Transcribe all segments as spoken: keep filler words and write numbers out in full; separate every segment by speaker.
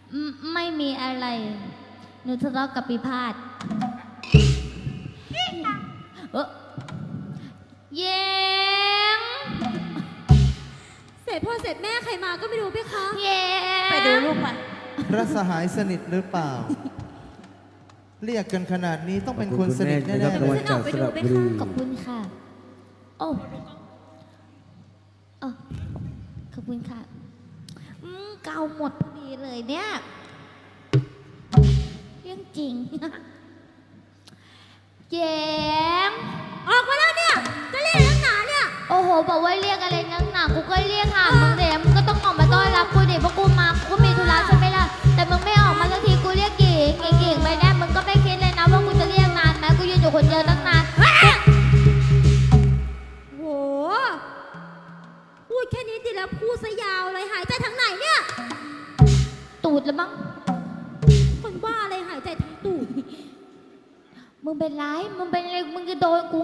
Speaker 1: ไม่มีอะไรหนูทะเลาะกับปีพาดเออเย้ง
Speaker 2: เสร็จพ่อเสร็จแม่ใครมาก็ไม่รู้พี่คะ
Speaker 1: เย้
Speaker 3: ไปดูลูกมา
Speaker 4: พระสหายสนิทหรือเปล่าเรียกกันขนาดนี้ต้องเป็นคนสนิทแน่ๆเลย
Speaker 1: ขอบคุณค่ะโอ้โอ้ขอบคุณค่ะอืมเกาหมดพอดีเลยเนี่ยเรื่องจริงเย้ม
Speaker 2: ออกมาแล้วเนี่ยจะเรียกนักหนาเนี่ย
Speaker 1: โอ้โหบอกว่าเรียกอะไรนักหนากูก็เรียกหามึงเดี๋ยวมึงก็ต้องออกมาต้อนรับกูดิเพราะกูมากูก็มีธุระใช่ไหมล่ะแต่มึงไม่ออกมาสักทีกูเรียกกิ่งกิ่งไปแน่มึงก็ไม่คิดเลยนะว่ากูจะเรียกนานไหมกูยืนอยู่คนเดียวตั้งนาน
Speaker 2: โหพูดแค่นี้ดิแล้วพูดซะยาวเลยหายใจทางไหนเนี่ย
Speaker 1: ตูดแล้วมั้ง
Speaker 2: คนบ้าอะไรหายใจทางตูด
Speaker 1: มึงเป็นไรมึงเป็นอะไรมึงจะโดนกู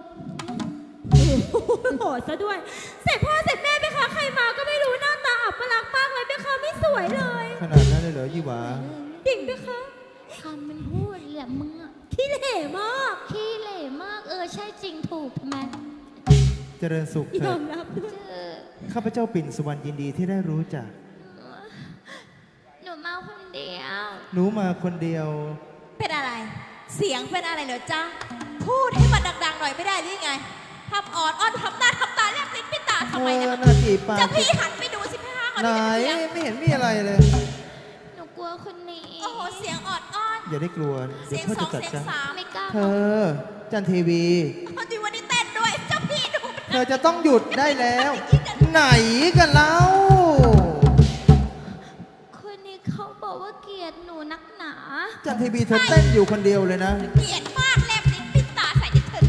Speaker 2: โหดซะด้วยเสร็จพ่อเสร็จแม่ไปคะใครมาก็ไม่รู้หน้าตาอับปลักษณ์มากเลยไปคะไม่สวยเลย
Speaker 4: ขนาดนั้นเลยเหรอยี่หวา
Speaker 2: ดิ่งไปคะ
Speaker 1: คำมันพูดแหละมึงอะ
Speaker 2: ขี้เหร่มาก
Speaker 1: ขี้เหร่มากเออใช่จริงถูกทำไม
Speaker 4: เจริญสุขเถิดข้าพเจ้าปิ่นสุวรรณยินดีที่ได้รู้จัก
Speaker 1: หนูมาคนเดียว
Speaker 4: หนูมาคนเดียว
Speaker 3: เป็นอะไรเสียงเป็นอะไรเหรอจ๊ะพูดให้มันดังๆหน่อยไม่ได้หรือไงทำอ่อนอ้อนทำหน้าทำตาเรียกลิ้นปิดตาทำไมเนี่ยจะพี่หันไปดูสิพี่ห้าเขา
Speaker 4: ไหนไม่เห็นมีอะไรเลย
Speaker 1: หนูกลัวคนนี้
Speaker 3: โอ้โหเสียงอ่อนอ้อน
Speaker 4: อย่าได้กลัว
Speaker 3: เสียงสองเสียงสาม
Speaker 1: ไม่กล้า
Speaker 4: เธอจันทีวี
Speaker 3: พอดีวันนี้เต้นด้วยเจ้าพี่ดู
Speaker 4: เธอจะต้องหยุดได้แล้วไหนกันเล่า
Speaker 1: คนนี้เขาบอกว่าเกลียดหนูนักหนา
Speaker 4: จันทีวีเธอเต้นอยู่คนเดียวเลยนะ
Speaker 3: เกลียดมากแลบลิ้นปิดตาใส่ดิฉัน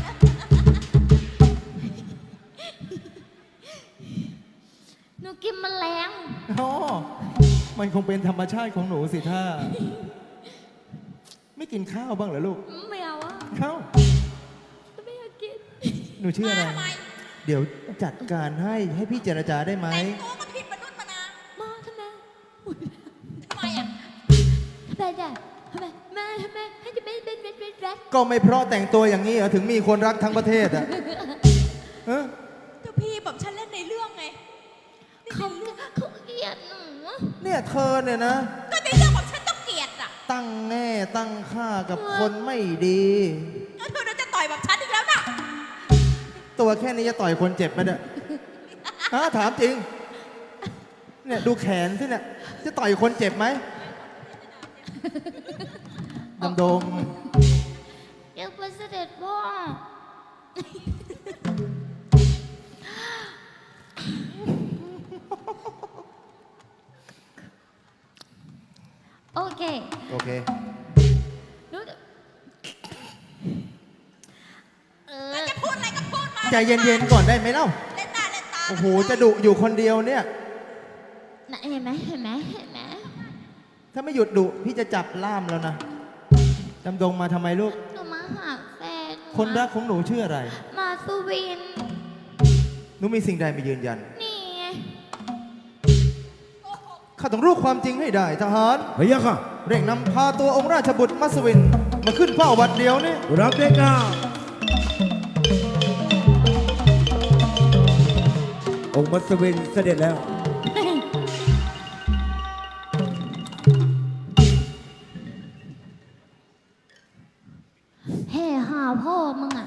Speaker 1: หนูกินแมลง
Speaker 4: อ๋อมันคงเป็นธรรมชาติของหนูสิท่าไม่กินข้าวบ้างเหรอลูก
Speaker 1: ไม่เอาอะ
Speaker 4: ข้าว
Speaker 1: ไม่อยากกิน
Speaker 4: หนูชื่ออะไรเดี๋ยวจัดการให้ให้พี่เจรจาได้ไหม
Speaker 3: แต่งตัวก็ผิดมนุษย์มานา
Speaker 1: มาทำไม
Speaker 3: ทำไมอ่ะ
Speaker 1: ทำไมจ้ะทำไมมาทำไมให้จะเป็นเป็นเป็นเป็นรัก
Speaker 4: ก็ไม่เพราะแต่งตัวอย่างนี้เหรอถึงมีคนรักทั้งประเทศอ่ะ
Speaker 3: เจ้าพี่แบบฉันเล่นในเรื่องไง
Speaker 1: เขาเขาเกลียดหนู
Speaker 4: เนี่ยเธอเนี่ยนะ
Speaker 3: ก็ในเรื่องของฉันต้องเกลียดอ่ะ
Speaker 4: ตั้งแง่ตั้งค่ากับคนไม่ดี
Speaker 3: เธอจะต่อยแบบฉันอีกแล้วนะ
Speaker 4: ตัวแค่นี้จะต่อยคนเจ็บไหมเนี่ยฮะถามจริงเนี่ยดูแขนสิเนี่ยจะต่อยคนเจ็บไหมดำดง
Speaker 1: เดี๋ยวไปเสด็จพ่อโอเค
Speaker 4: โอเค
Speaker 3: เออจะพูดอะไรก็พูดมา
Speaker 4: ใจเย็นๆก่อนได้ไหมเล่า
Speaker 3: เล่นตาเล่นตา
Speaker 4: โอ้โหจะดุอยู่คนเดียวเนี่ย
Speaker 1: เห็นไหมเห็นไหมเห็นไหม
Speaker 4: ถ้าไม่หยุดดุพี่จะจับล่ามแล้วนะดำดงมาทำไมลูก
Speaker 1: หนูมาหาแฟน
Speaker 4: คนรักของหนูชื่ออะไร
Speaker 1: มาสุวิน
Speaker 4: หนูมีสิ่งใดมายืนยัน
Speaker 1: นี่
Speaker 4: ข้าต้องรู้ความจริงให้ได้ทหาร
Speaker 5: พะยะค่ะ
Speaker 4: เร่งนำพาตัวองค์ราชบุตรมัสวินมาขึ้นเฝ้าวัดเดียวนี่
Speaker 5: รับเด็กก้าองค์มัสวินเสด็จแล้ว
Speaker 1: แห่หาพ่อมึงอ่ะ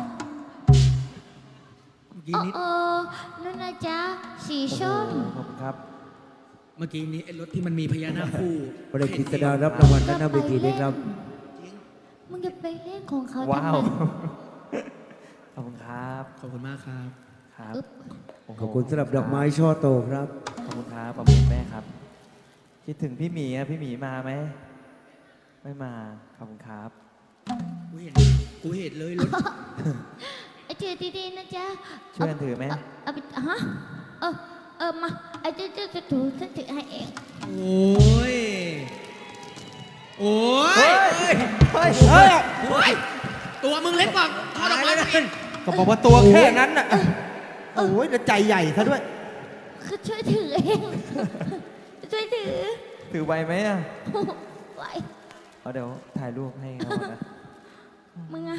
Speaker 1: เออเออนั่นนะจ๊ะสีส้ม
Speaker 4: ขอบคุณครับ
Speaker 6: เมื่อกี้นี้ไอ้รถที่มันมีพญานาคคู่
Speaker 5: ประเด็นกิจดารับรางวัลหน้าเวทีนี้ครับ
Speaker 1: มึงจะไปเล่นของเขา
Speaker 4: ว้าวขอบคุณครับ
Speaker 6: ขอบคุณมากครับ
Speaker 4: ครับ
Speaker 5: ขอบคุณสำหรับดอกไม้ช่อโตครับ
Speaker 4: ขอบคุณครับขอบคุณแม่ครับคิดถึงพี่หมีอะพี่หมีมาไหมไม่มาขอบคุณครับ
Speaker 6: กูเห็นกูเห็นเลยรถ
Speaker 1: ไอ้เจอดีๆนะจ๊ะ
Speaker 4: ช่วยกันถือไหม
Speaker 1: เอาไปฮะเออเออมาไอ้เจ้าเจ้าจะถือฉันถือให้เอง
Speaker 6: โอ้ยโอ้ย
Speaker 4: เฮ้ยเฮ้ย
Speaker 6: เฮ้ยตัวมึงเล็กกว่าทอดออกมาเลย
Speaker 4: ก็บอกว่าตัวแค่นั้นน่ะโอ้ยแล้วใจใหญ่ซะด้วย
Speaker 1: คือช่วยถือเองช่วยถือ
Speaker 7: ถือใบไหมอ่ะ
Speaker 1: ไหว
Speaker 7: เอาเดี๋ยวถ่ายรูปให้เขานะ
Speaker 1: มึงอะ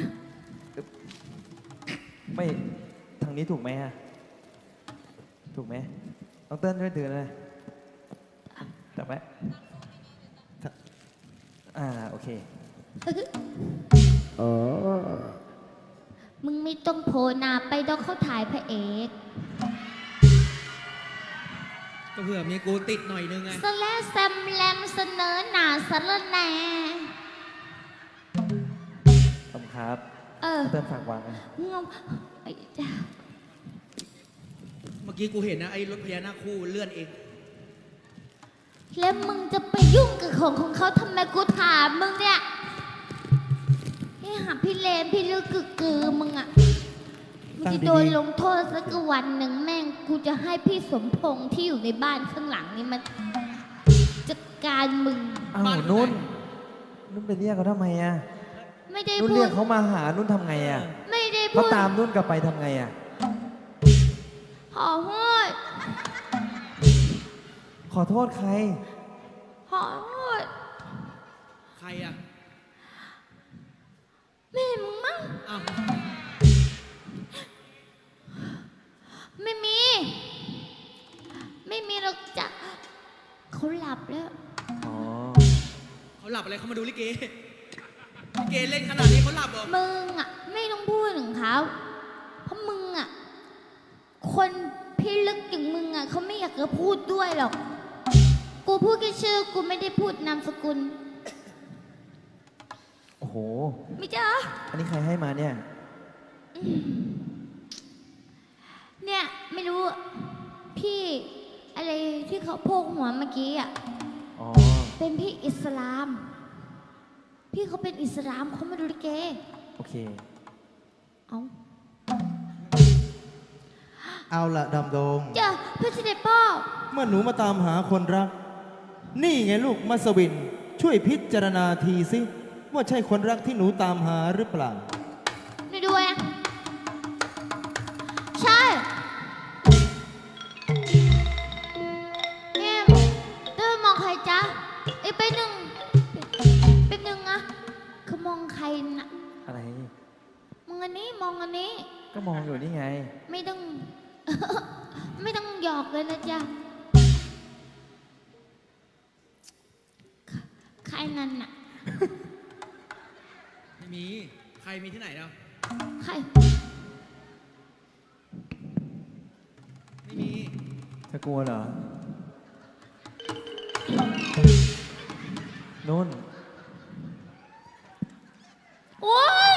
Speaker 7: ไม่ทางนี้ถูกไหมอ่ะ ถูกไหมน้องเติ้ลช่วยถือเลยจับไหมอ่าโอเค
Speaker 5: อ๋อ
Speaker 1: มึงไม่ต้องโผล่หน้าไปต้องเขาถ่ายพระเอก
Speaker 6: ก็เผื่อมีกูติดหน่อยนึงไง
Speaker 1: สแลแซมแลมเสนอหน้าสารแหน่
Speaker 7: ขอบคุณครับ
Speaker 1: เออ
Speaker 7: น้องเติ้ลฝากวางนะ
Speaker 1: งงไอ้จ้า
Speaker 6: เมื่อกี้กูเห็นนะไอ้รถพญานาคคู่เลื่อนเอง
Speaker 1: แล้วมึงจะไปยุ่งกับของของเขาทำไมกูถามมึงเนี่ยนี่หาพี่เลนพี่ลึกกึกกือมึงอะมึงจะโดนลงโทษสักวันหนึ่งแม่งกูจะให้พี่สมพงษ์ที่อยู่ในบ้านข้างหลังนี่มันจัดการมึง
Speaker 7: อ้าวนุ่น นุ่นไปเรียกเขาทำไมอ่ะ
Speaker 1: ไม่ได้
Speaker 7: นุ่น
Speaker 1: พู
Speaker 7: เรีย
Speaker 1: ด
Speaker 7: กเขามาหา นุ่นทำไงอ่ะ
Speaker 1: ไม่ได้
Speaker 7: เขา
Speaker 1: พูด
Speaker 7: ตามนุ่นกลับไปทำไงอ่ะ
Speaker 1: ขอโทษ
Speaker 7: ขอโทษใคร
Speaker 1: ขอโทษ
Speaker 6: ใครอ่ะ
Speaker 1: แม่มึงมั้ง
Speaker 6: อ้าว
Speaker 1: ไม่มี ไม่มีหรอกจ้ะเขาหลับแล้ว
Speaker 7: อ๋อ
Speaker 6: เขาหลับอะไรเขามาดูลิเก ลิเกเล่นขนาดนี้เขาหลับเหรอ
Speaker 1: มึงอ่ะ ไม่ต้องพูดถึงเขาเพราะมึงอ่ะ คนพิลึกอย่างมึงอ่ะเขาไม่อยากจะพูดด้วยหรอก กูพูดแค่ชื่อกูไม่ได้พูดนามสกุล
Speaker 7: โอ้โห
Speaker 1: ไม่จ้า
Speaker 7: อันนี้ใครให้มาเนี่ย
Speaker 1: เนี่ยไม่รู้อะพี่อะไรที่เขาโพกหัวเมื่อกี้อ่ะ
Speaker 7: อ๋อ
Speaker 1: เป็นพี่อิสลาม พี่เขาเป็นอิสลามเขามาดูลิเก
Speaker 7: โอเค
Speaker 1: เอา
Speaker 4: เอาละดำดง
Speaker 1: จ้ะเพื่อนเสด็จพ่อ
Speaker 4: เมื่อหนูมาตามหาคนรัก นี่ไงลูกมัสวิน ช่วยพิจารณาทีสิ ว่าใช่คนรักที่หนูตามหาหรือเปล่า
Speaker 1: นี่ด้วยอะใช่ เนี่ยเต้ยมองใครจ๊ะไอ้ยไปหนึ่งไปหนึ่งอะเขามองใครนะ
Speaker 7: อะไร
Speaker 1: มองอันนี้มองอันนี้
Speaker 7: ก็มองอยู่นี่ไง
Speaker 1: ไม่ต้อง ไม่ต้องหยอกเลยนะจ๊ะ ใครนั่นน่ะ
Speaker 6: ไม่มี ใครมีที่ไหนแล้ว
Speaker 1: ใคร
Speaker 6: ไม่มี
Speaker 7: เธอกลัวเหรอ นุ่น
Speaker 1: โอ๊ย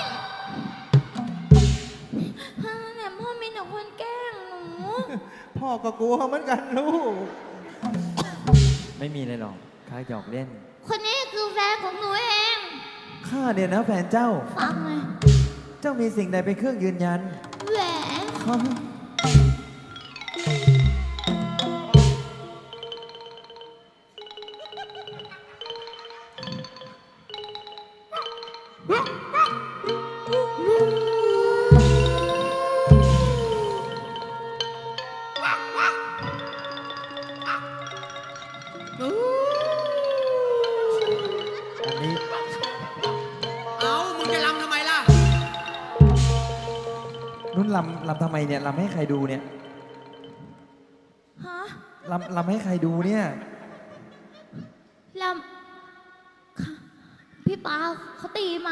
Speaker 1: ฮ่าแต่พ่อมีแต่คนแกล้งหนู
Speaker 4: พ่อก็กลัวเหมือนกันลูก
Speaker 7: ไม่มีเลยหรอกข้าหยอกเล่น
Speaker 1: คนนี้คือแฟนของหนูเอง
Speaker 7: ข้าเนี่ยนะแฟนเจ้า
Speaker 1: ฟังเลย
Speaker 7: เจ้ามีสิ่งใดเป็นเครื่องยืนยัน
Speaker 1: แหวน
Speaker 4: อันนี้
Speaker 6: เอ้า มึงจะรำทำไมล่ะ
Speaker 7: นุ่นลำลำทำไมเนี่ยลำให้ใครดูเนี่ย
Speaker 1: ฮะ
Speaker 7: ลำลำให้ใครดูเนี่ย
Speaker 1: ลำค่ะพี่ปาเขาตีมา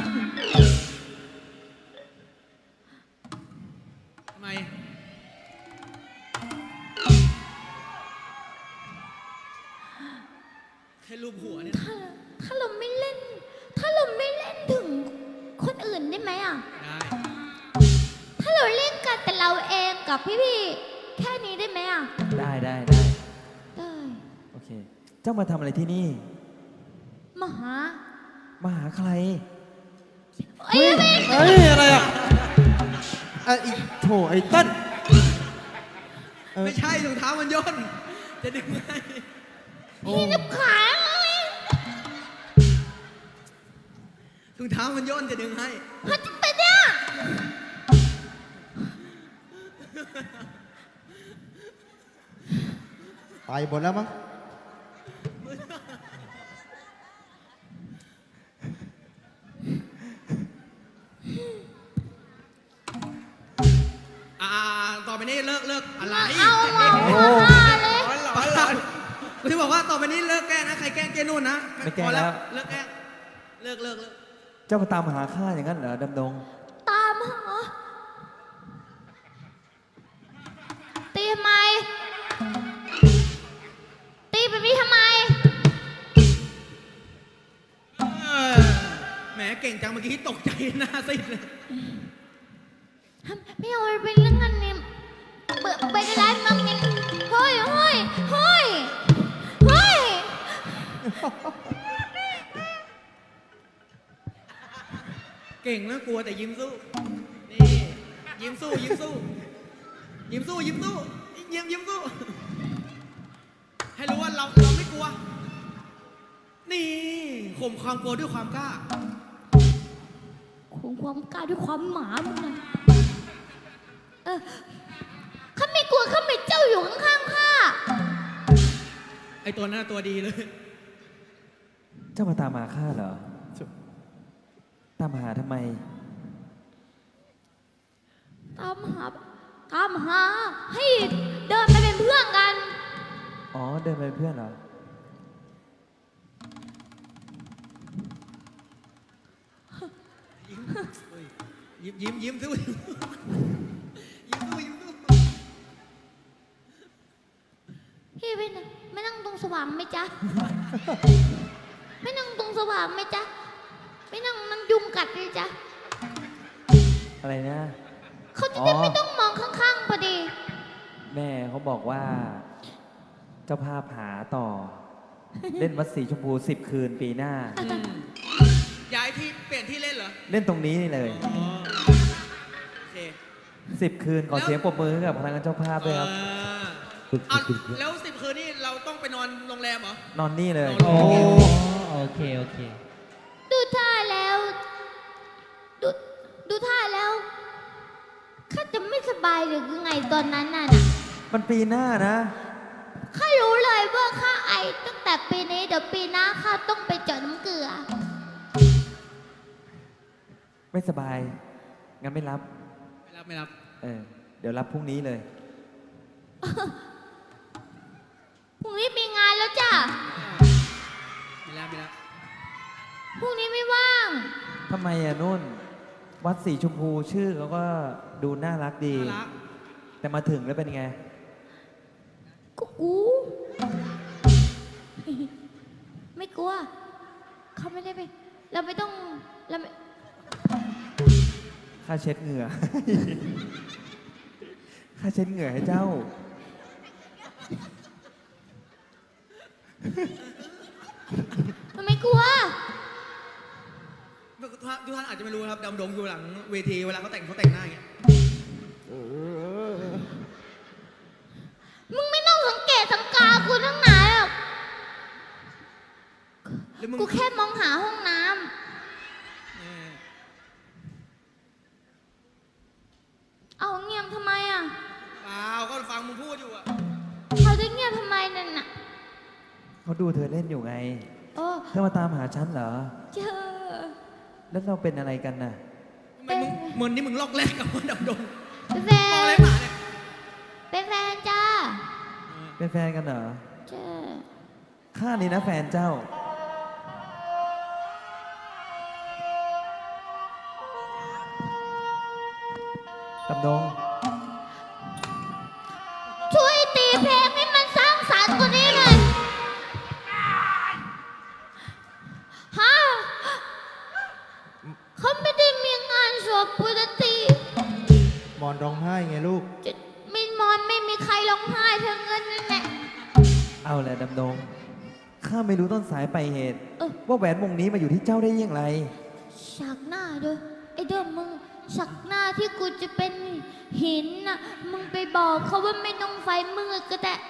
Speaker 6: ทำไม แค่รูปหัวเนี่ย
Speaker 1: ถ้าถ้าเราไม่เล่น ถ้าเราไม่เล่นถึงคนอื่นได้ไหมอ่ะ
Speaker 6: ได้
Speaker 1: ถ้าเราเล่นกันแต่เราเองกับพี่ๆ แค่นี้ได้ไหมอ่ะ
Speaker 7: ได้ได้ได้
Speaker 1: ได้
Speaker 7: โอเค เจ้ามาทำอะไรที่นี่
Speaker 1: มาหา
Speaker 7: มาหาใคร
Speaker 1: เอ้ยไม่
Speaker 4: เฮ้ย อะไรอ่ะไอ้อีโถไอ้เต้นเออ
Speaker 6: ไม่ใช่ถุงเท้ามันย่น จะดึงให้
Speaker 1: พี่นับขาเลย
Speaker 6: ถุงเท้ามันย่นจะดึงให้
Speaker 1: เขาจะไปเนี่ย
Speaker 4: ไปหมดแล้วมั้ง
Speaker 6: กูที่บอกว่าต่อไปนี้เลิกแกล้งนะใครแกล้งเจนุ่นนะ
Speaker 7: ไม่แกล้ง
Speaker 6: พอ
Speaker 7: แล้ว
Speaker 6: เลิกแกล้งเลิกเลิกเลิก
Speaker 7: เจ้ามาตามหาข้าอย่างนั้นเหรอดำดง
Speaker 1: ตามหาตีทำไม ตีแบบนี้ทำไม
Speaker 6: เออแหมเก่งจังเมื่อกี้ตกใจหน้าซีดเลย
Speaker 1: ไม่เอาไปเป็นเรื่องนั้นนี่เปิดไปก็ได้มั้งยังเฮ้ยเฮ้ยเฮ้ยเฮ้ย
Speaker 6: เก่งนะกลัวแต่ยิ้มสู้ นี่ยิ้มสู้ยิ้มสู้ยิ้มสู้ยิ้มสู้ยิ้มยิ้มสู้ ให้รู้ว่าเราเราไม่กลัว นี่ข่มความกลัวด้วยความกล้า
Speaker 1: ข่มความกล้าด้วยความหมามึงนะเออข้าไม่กลัวข้าไม่เจ้าอยู่ข้างๆข้า
Speaker 6: ไอตัวนั้นนะตัวดีเลย
Speaker 7: เจ้ามาตามหาข้าเหรอ ตามหาทำไม
Speaker 1: ตามหาตามหาให้เดินไปเป็นเพื่อนกัน
Speaker 7: อ๋อ เดินไปเป็นเพื่อนเหรอ
Speaker 6: ยิ้มยิ้มยิ้มสู้ยิ้มสู้ยิ้มสู้
Speaker 1: พี่ไม่นั่งไม่นั่งตรงสว่างไหมจ๊ะ ไม่นั่งตรงสว่างไหมจ๊ะ ไม่นั่งมันยุงกัดเลยจ๊ะ
Speaker 7: อะไรนะ
Speaker 1: เขาจะได้ไม่ต้องมองข้างๆพอดี
Speaker 7: แม่เขาบอกว่า เจ้าภาพหาต่อ เล่นวัดสีชมพูสิบคืนปีหน้า
Speaker 6: ย้ายที่เปลี่ยนที่เล่นเหรอ
Speaker 7: เล่นตรงนี้นี่เลย
Speaker 6: อ๋อโอเค
Speaker 7: สิบคืนขอเสียงปรบมือให้กับพนักงานเจ้าภาพด้วยครับ
Speaker 6: เอออ่ะแล้วสิบคืนนี่เราต้องไปนอนโรงแรมเหรอ
Speaker 7: นอนนี่เลย
Speaker 6: นอนโรงแรม
Speaker 8: โอเค โอเค
Speaker 1: ดูท่าแล้ว ดูดูท่าแล้วข้าจะไม่สบายหรือยังไงตอนนั้นน่ะนะ
Speaker 7: มันปีหน้านะ
Speaker 1: ข้ารู้เลยว่าข้าไอตั้งแต่ปีนี้เดี๋ยวปีหน้าข้าต้องไปเจาะน้ำเกลือ
Speaker 7: ไม่สบาย งั้นไม่รับ
Speaker 6: ไม่รับไม่รับ
Speaker 7: เออ เดี๋ยวรับพรุ่งนี้เลย
Speaker 1: พรุ่งนี้มีงานแล้วจ้ะ
Speaker 6: ไม่รับไม่รับ
Speaker 1: พรุ่งนี้ไม่ว่าง
Speaker 7: ทำไมอะนุ่น วัดสีชมพูชื่อเขาก็ดูน่ารักดี
Speaker 6: น่ารัก
Speaker 7: แต่มาถึงแล้วเป็นไง
Speaker 1: กูกู ไม่กลัว เขาไม่ได้ไป เราไม่ต้องเราไม่
Speaker 7: ค่าเช็ดเหงื่อ ค่าเช็ดเหงื่อให้เจ้า
Speaker 1: เราไม่กลัว
Speaker 6: ทุกท่านทุกท่านอาจจะไม่รู้นะครับดำดงอยู่หลังเวทีเวลาเขาแต่งเขาแต่งหน้าอย่างเงี้ย
Speaker 1: มึงไม่ต้องสังเกตสังกากูทั้งไหนหรอก
Speaker 6: แล้วมึง
Speaker 1: กูแค่มองหาห้องน้
Speaker 6: เออ
Speaker 1: ำ เอาเงียบทำไมอ่ะ
Speaker 6: เปล่าก็ฟังมึงพูดอยู่อะ
Speaker 1: เขาจะเงียบทำไมนั่นน่ะ
Speaker 7: เขาดูเธอเล่นอยู่ไง
Speaker 1: โอ้
Speaker 7: เธอมาตามหาฉันเหรอ
Speaker 1: เจอ
Speaker 7: แล้วเราเป็นอะไรกันน่ะ
Speaker 6: ทำไมมึงเหมือนนี่มึงลอกแรกกับว่าดำดง
Speaker 1: เป็นแฟ
Speaker 6: มองอะไร
Speaker 1: น
Speaker 6: หมาเนี่ย
Speaker 1: เป็นแฟนจ้า
Speaker 7: เป็นแฟนกันเหรอ
Speaker 1: เจอ
Speaker 7: ข้านี่นะแฟนเจ้า ดำดง
Speaker 1: ช่วยตีเพลงให้มันสร้างสรรค์กว่านี้หน่อยฮะเขาไม่ได้มีงานศพปกติ
Speaker 4: มอนร้องไห้ไงลูก
Speaker 1: จะมีมอนไม่มีใครร้องไห้เธอเงินนั่นแหละ
Speaker 7: เอาแหละดำดง ข้าไม่รู้ต้นสายปลายเหตุ
Speaker 1: เออ
Speaker 7: ว่าแหวนวงนี้มาอยู่ที่เจ้าได้ยังไง
Speaker 1: สักหน้าด้วยไอ้เดิมมึงสักหน้าที่กูจะเป็นหินน่ะมึงไปบอกเขาว่าไม่ต้องไฟมืดก็ได้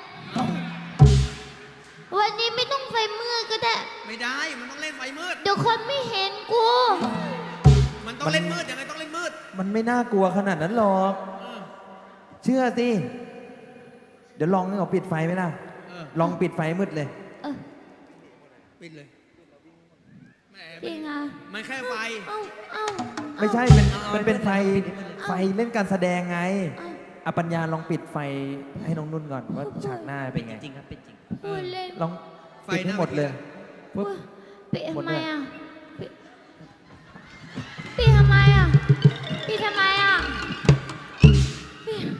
Speaker 1: วันนี้ไม่ต้องไฟมืดก็ได้
Speaker 6: ไม่ได้ มันต้องเล่นไฟมืด
Speaker 1: เดี๋ยวคนไม่เห็นกู
Speaker 6: มันต้องเล่นมืดยังไงต้องเล่นมืด
Speaker 7: มันไม่น่ากลัวขนาดนั้นหรอก
Speaker 6: เออ
Speaker 7: เชื่อสิ เดี๋ยวลองให้เขาปิดไฟไหมล่ะ
Speaker 6: เออ
Speaker 7: ลองปิดไฟมืดเลย
Speaker 1: เออ
Speaker 6: ปิดเลยแหม
Speaker 1: จริงอ่ะ
Speaker 6: มันแค่ไฟ
Speaker 1: เอ้าเอ้า
Speaker 7: ไม่ใช่ เป็นมันเป็นไฟ ไฟเล่นการแสดงไง
Speaker 1: เอ้า
Speaker 7: อปัญญาลองปิดไฟให้น้องนุ่นก่อนว่าฉากหน้าเป็นไง
Speaker 8: จริงครับเป็นจริง
Speaker 1: พูดเล่น
Speaker 7: ลองปิดให้หมดเลยปุ๊บ
Speaker 1: ปิด
Speaker 7: หมด
Speaker 1: ทำไม
Speaker 7: เลย
Speaker 1: อ่ะปิดปิดทำไมอ่ะปิดทำไมอ่ะปิด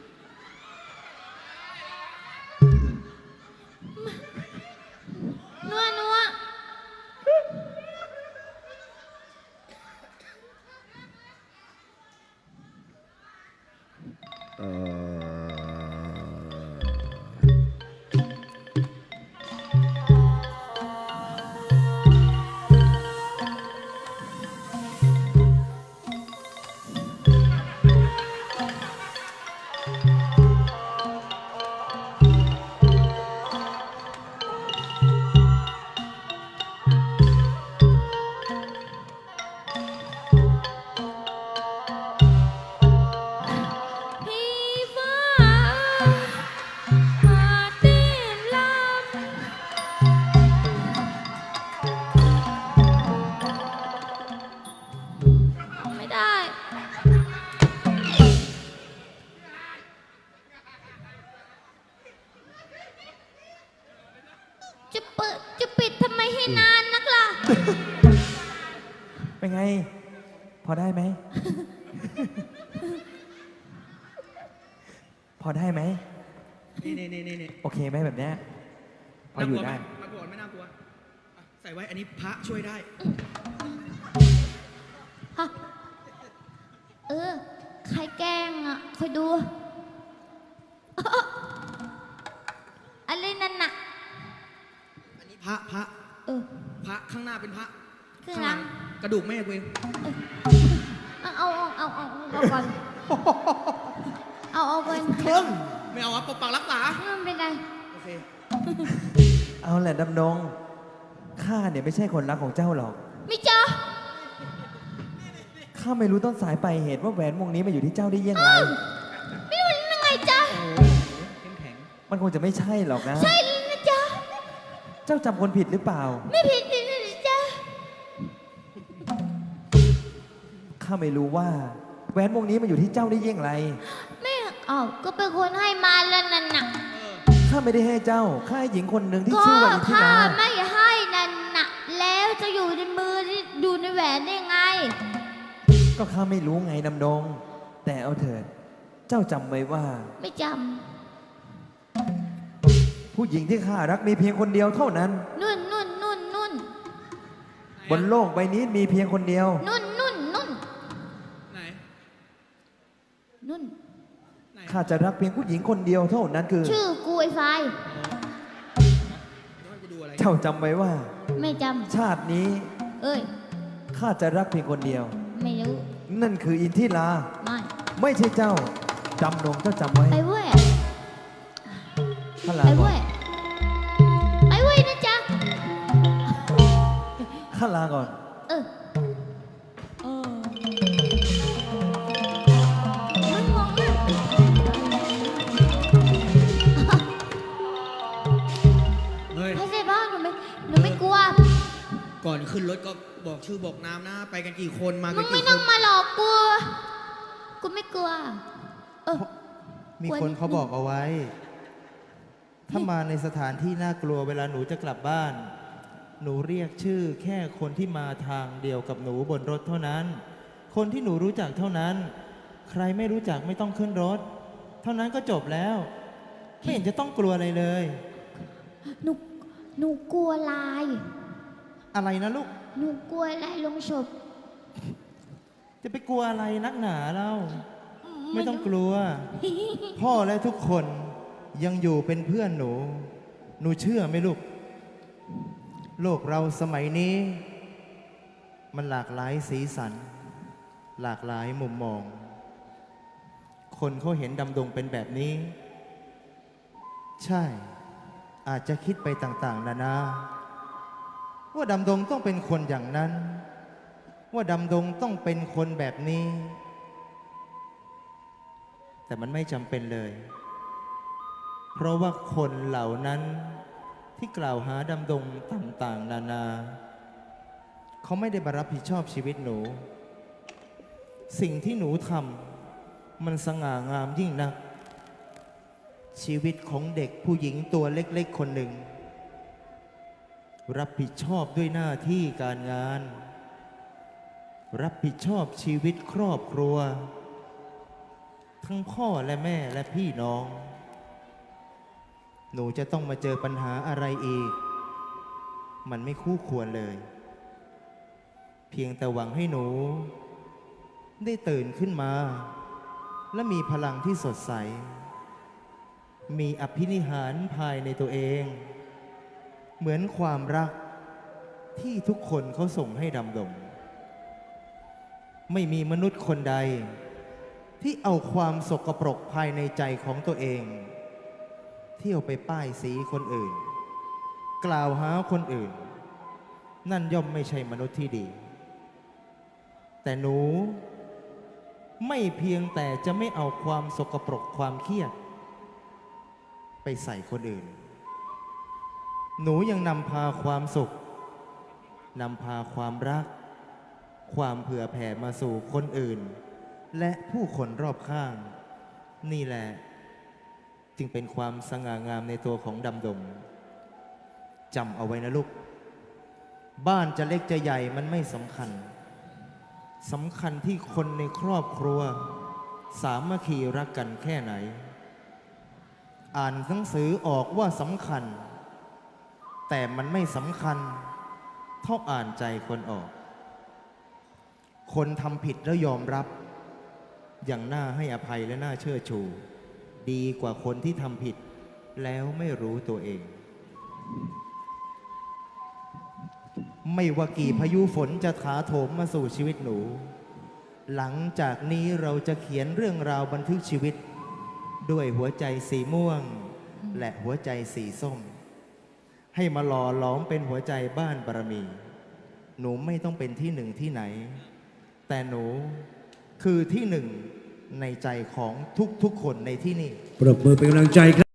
Speaker 1: นัวนัว
Speaker 2: พี่ฟ้าหาตีนลำ
Speaker 1: ไม่ได้ จะเปิดจะปิดทำไมให้นานนักล่ะ
Speaker 7: เป็นไง พอได้ไหม พอได้ไหม
Speaker 6: นี่นี่นี่นี่นี่
Speaker 7: โอเคไหมแบบเนี้ยพออยู่ได้
Speaker 6: น่ากลัวหมน่ากลัวไม่น่ากลัวอ่ะใส่ไว้อันนี้พระช่วยได้
Speaker 1: ฮะ เออ ใครแกล้งอ่ะคอยดู อะไรนั่นน่ะ
Speaker 6: อันนี้พระพระ
Speaker 1: เออ
Speaker 6: พระข้างหน้าเป็นพระ
Speaker 1: ข้าง
Speaker 6: ข้าง
Speaker 1: ห
Speaker 6: ห
Speaker 1: ลั
Speaker 6: ลั
Speaker 1: ง
Speaker 6: งกระดูกแม่กูเอง
Speaker 1: เอาเอาเอาเอาเอาเอาก่อน เอาเอาก่อน
Speaker 4: มึง
Speaker 6: ไม่เอาวะปกปักรักษา
Speaker 1: ไม่เป็นไร
Speaker 6: โอเค
Speaker 7: เอาแหละดำดงข้าเนี่ยไม่ใช่คนรักของเจ้าหรอก
Speaker 1: ไม่เจอ
Speaker 7: ข้าไม่รู้ต้นสายปลายเหตุว่าแหวนวงนี้มาอยู่ที่เจ้าได้ยังไง
Speaker 1: ไม่รู้ยังไงจ๊ะ
Speaker 6: เข้มแข็ง
Speaker 7: มันคงจะไม่ใช่หรอกนะ
Speaker 1: ใช่นะจ๊ะ
Speaker 7: เจ้าจำคนผิดหรือเปล่า
Speaker 1: ไม่ผิดจริงนะจ๊ะ
Speaker 7: ข้าไม่รู้ว่าแหวนวงนี้มาอยู่ที่เจ้าได้ยังไง
Speaker 1: ไม่อ้าวก็เป็นคนให้มาแล้วนั่นน่ะ
Speaker 7: ข้าไม่ได้ให้เจ้า ข้าให้หญิงคนหนึ่งที่
Speaker 1: ก็
Speaker 7: ชื่อว่าอินทิ
Speaker 1: ข้า
Speaker 7: รา
Speaker 1: ไม่ให้นั่นน่ะ แล้วจะอยู่ในมือที่อยู่ในแหวนได้ไง
Speaker 7: ก็ข้าไม่รู้ไงดำดง แต่เอาเถิด เจ้าจำไว้ว่า
Speaker 1: ไม่จ
Speaker 7: ผู้หญิงที่ข้ารักมีเพียงคนเดียวเท่านั้น
Speaker 1: ำนุ่นนุ่นนุ่นนุ่น
Speaker 7: บนโลกใบนี้มีเพียงคนเดียว
Speaker 1: นุ่นนุ่นนุ่น
Speaker 6: ไหน
Speaker 1: นุ่น
Speaker 6: ไหน
Speaker 7: ข้าจะรักเพียงผู้หญิงคนเดียวเท่านั้นคือ
Speaker 1: ชื่อกูไอ้ไฟ
Speaker 6: ย้อนกูดูอะไร
Speaker 7: เจ้าจำไว้ว่า
Speaker 1: ไม่จ
Speaker 7: ชาตินี้
Speaker 1: ำเอ้ย
Speaker 7: ข้าจะรักเพียงคนเดียว
Speaker 1: ไม่รู้
Speaker 7: นั่นคืออินทิรา
Speaker 1: ไม่
Speaker 7: ไม่ใช่เจ้าจำนงเจ้าจำไว้
Speaker 1: ไปเว้ย
Speaker 7: ข้าลา
Speaker 1: ไป
Speaker 7: ก่อ
Speaker 1: เว้
Speaker 7: น
Speaker 1: ย ไปเว้ยนะจ๊ะ
Speaker 7: ข้าลาก่อน
Speaker 1: เออ
Speaker 2: เออ
Speaker 1: มึงงงเลย
Speaker 6: เฮ้ย
Speaker 1: ไม่ใช่พ่อหนูไม่ หนูไม่กลัว
Speaker 6: ก่อนขึ้นรถก็บอกชื่อบอกนามนะ ไปกันกี่คนมา
Speaker 1: มึ
Speaker 6: กัน
Speaker 1: งไม่
Speaker 6: กี่ค
Speaker 1: ต้อง
Speaker 6: น
Speaker 1: มาหลอกกู กูไม่กลัว เออ
Speaker 4: มีคนเขาบอกเอาไว้ ถ้ามาในสถานที่น่ากลัวเวลาหนูจะกลับบ้าน หนูเรียกชื่อแค่คนที่มาทางเดียวกับหนูบนรถเท่านั้น คนที่หนูรู้จักเท่านั้น ใครไม่รู้จักไม่ต้องขึ้นรถ เท่านั้นก็จบแล้ว ไม่เห็นจะต้องกลัวอะไรเลย
Speaker 1: หนู หนูกลัวลาย
Speaker 4: อะไรนะลูก
Speaker 1: หนูกลัวลายลงศพ
Speaker 4: จะไปกลัวอะไรนักหนาเล่า ไม่ต้องกลัว พ่อและทุกคนยังอยู่เป็นเพื่อนหนู หนูเชื่อไหมลูก โลกเราสมัยนี้ มันหลากหลายสีสัน หลากหลายมุมมอง คนเขาเห็นดำดงเป็นแบบนี้ ใช่ อาจจะคิดไปต่างๆ นานา ว่าดำดงต้องเป็นคนอย่างนั้น ว่าดำดงต้องเป็นคนแบบนี้ แต่มันไม่จำเป็นเลย เพราะว่าคนเหล่านั้นที่กล่าวหาดำดงต่างๆ นานา เขาไม่ได้มารับผิดชอบชีวิตหนู สิ่งที่หนูทมันสง่างามยิ่งนัก ชีวิตของเด็กผู้หญิงตัวเล็กๆคนหนึ่ง รับผิดชอบด้วยหน้าที่การงาน รับผิดชอบชีวิตครอบครัว ทั้งพ่อและแม่และพี่น้อง หนูจะต้องมาเจอปัญหาอะไรอีก มันไม่คู่ควรเลย เพียงแต่หวังให้หนู ได้ตื่นขึ้นมา และมีพลังที่สดใส มีอภินิหารภายในตัวเอง เหมือนความรักที่ทุกคนเขาส่งให้ดำดง ไม่มีมนุษย์คนใด ที่เอาความสกปรกภายในใจของตัวเอง เที่ยวไปป้ายสีคนอื่น กล่าวหาคนอื่น นั่นย่อมไม่ใช่มนุษย์ที่ดี แต่หนูไม่เพียงแต่จะไม่เอาความสกปรกความเครียด ไปใส่คนอื่น หนูยังนำพาความสุขนำพาความรัก ความเผื่อแผ่มาสู่คนอื่น และผู้คนรอบข้าง นี่แหละจึงเป็นความสง่างามในตัวของดำดงจำเอาไว้นะลูก บ้านจะเล็กจะใหญ่มันไม่สำคัญสำคัญที่คนในครอบครัว สามัคคีรักกันแค่ไหน อ่านหนังสือออกว่าสำคัญ แต่มันไม่สำคัญเท่าอ่านใจคนออก คนทำผิดแล้วยอมรับ อย่างน่าให้อภัยและน่าเชื่อชู ดีกว่าคนที่ทำผิดแล้วไม่รู้ตัวเอง ไม่ว่ากี่พายุฝนจะถาโถมมาสู่ชีวิตหนู หลังจากนี้เราจะเขียนเรื่องราวบันทึกชีวิต ด้วยหัวใจสีม่วง และหัวใจสีส้ม ให้มาหล่อหลอมเป็นหัวใจบ้านบารมี หนูไม่ต้องเป็นที่หนึ่งที่ไหน แต่หนูคือที่หนึ่งในใจของทุกๆคนในที่นี่
Speaker 5: ปรบมือเป็นกำลังใจครับ